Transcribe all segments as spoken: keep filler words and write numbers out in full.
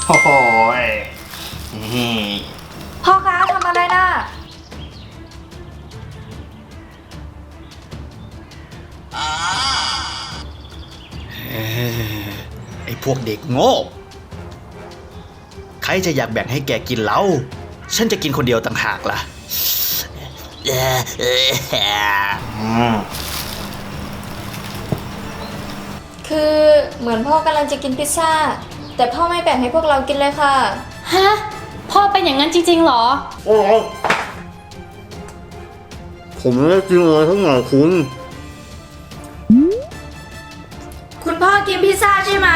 โอ้โหพ่อคะทำอะไรน่ะไอ้พวกเด็กโง่ใครจะอยากแบ่งให้แกกินเล่าฉันจะกินคนเดียวต่างหากล่ะคือเหมือนพ่อกำลังจะกินพิซซ่าแต่พ่อไม่แบ่งให้พวกเรากินเลยค่ะฮะพ่อเป็นอย่างนั้นจริงๆหรอโอ้ผมไม่ได้กินอะไรทั้งหมดคุณคุณพ่อกินพิซซ่าใช่ไหม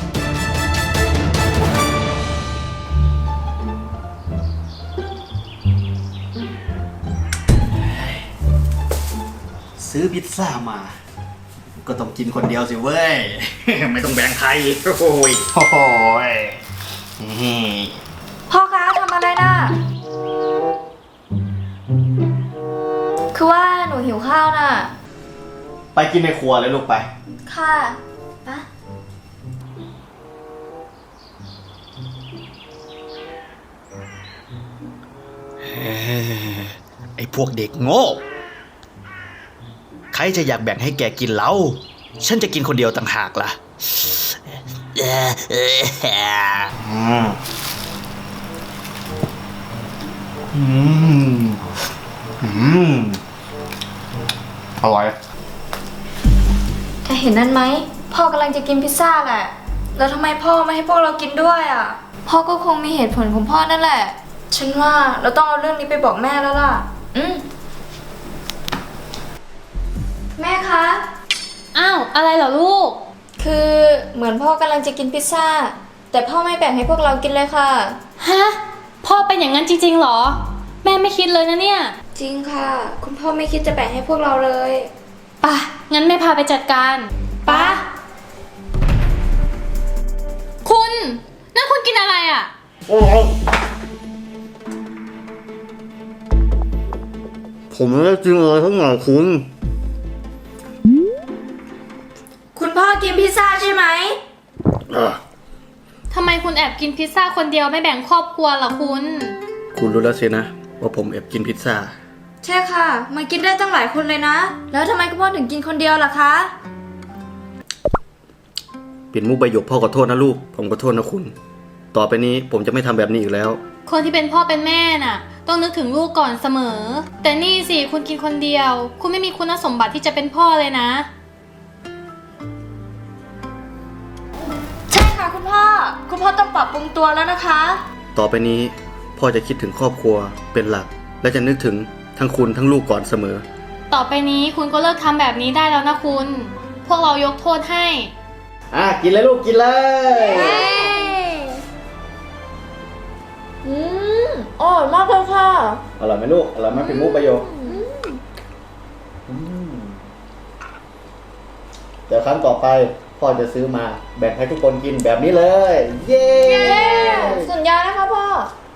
ซื้อพิซซ่ามาก็ต้องกินคนเดียวสิเว้ย ไม่ต้องแบ่งใครโอ้ยโอ้โหพ่อคะทำอะไรน่ะคือว่าหนูหิวข้าวน่ะไปกินในครัวเลยลูกไปค่ะปะไอ้พวกเด็กโง่ใครจะอยากแบ่งให้แกกินเล่าฉันจะกินคนเดียวต่างหากล่ะอืมอืมอร่อยถ้าเห็นนั่นไหมพ่อกำลังจะกินพิซซ่าแหละแล้วทำไมพ่อไม่ให้พวกเรากินด้วยอ่ะพ่อก็คงมีเหตุผลของพ่อนั่นแหละฉันว่าเราต้องเอาเรื่องนี้ไปบอกแม่แล้วล่ะอืมแม่คะอ้าวอะไรเหรอลูกคือเหมือนพ่อกำลังจะกินพิซซ่าแต่พ่อไม่แบ่งให้พวกเรากินเลยค่ะฮะพ่อเป็นอย่างนั้นจริงๆหรอแม่ไม่คิดเลยนะเนี่ยจริงค่ะคุณพ่อไม่คิดจะแบ่งให้พวกเราเลยป่ะงั้นแม่พาไปจัดการป่ะคุณนั่นคุณกินอะไรอ่ะโอ้ผมไม่ได้กินอะไรทั้งหมดคุณคุณพ่อกินพิซซ่าใช่ไหมทำไมคุณแอบกินพิซซ่าคนเดียวไม่แบ่งครอบครัวล่ะคุณคุณรู้แล้วสินะว่าผมแอบกินพิซซ่าใช่ค่ะมันกินได้ตั้งหลายคนเลยนะแล้วทำไมคุณพ่อถึงกินคนเดียวล่ะคะเป็นมุกใบหยกพ่อขอโทษนะลูกผมขอโทษนะคุณต่อไปนี้ผมจะไม่ทำแบบนี้อีกแล้วคนที่เป็นพ่อเป็นแม่น่ะต้องนึกถึงลูกก่อนเสมอแต่นี่สิคุณกินคนเดียวคุณไม่มีคุณสมบัติที่จะเป็นพ่อเลยนะใช่ค่ะคุณพ่อคุณพ่อต้องปรับปรุงตัวแล้วนะคะต่อไปนี้พ่อจะคิดถึงครอบครัวเป็นหลักและจะนึกถึงทั้งคุณทั้งลูกก่อนเสมอต่อไปนี้คุณก็เลิกทำแบบนี้ได้แล้วนะคุณพวกเรายกโทษให้อ่ะกินเลยลูกกินเลยอืมอร่อยมากเลยค่ะอร่อยไหมลูกอร่อยไหมเป็นมุกประโยคเดี๋ยวครั้งต่อไปพ่อจะซื้อมาแบ่งให้ทุกคนกินแบบนี้เลยเย้สัญญานะคะพ่อ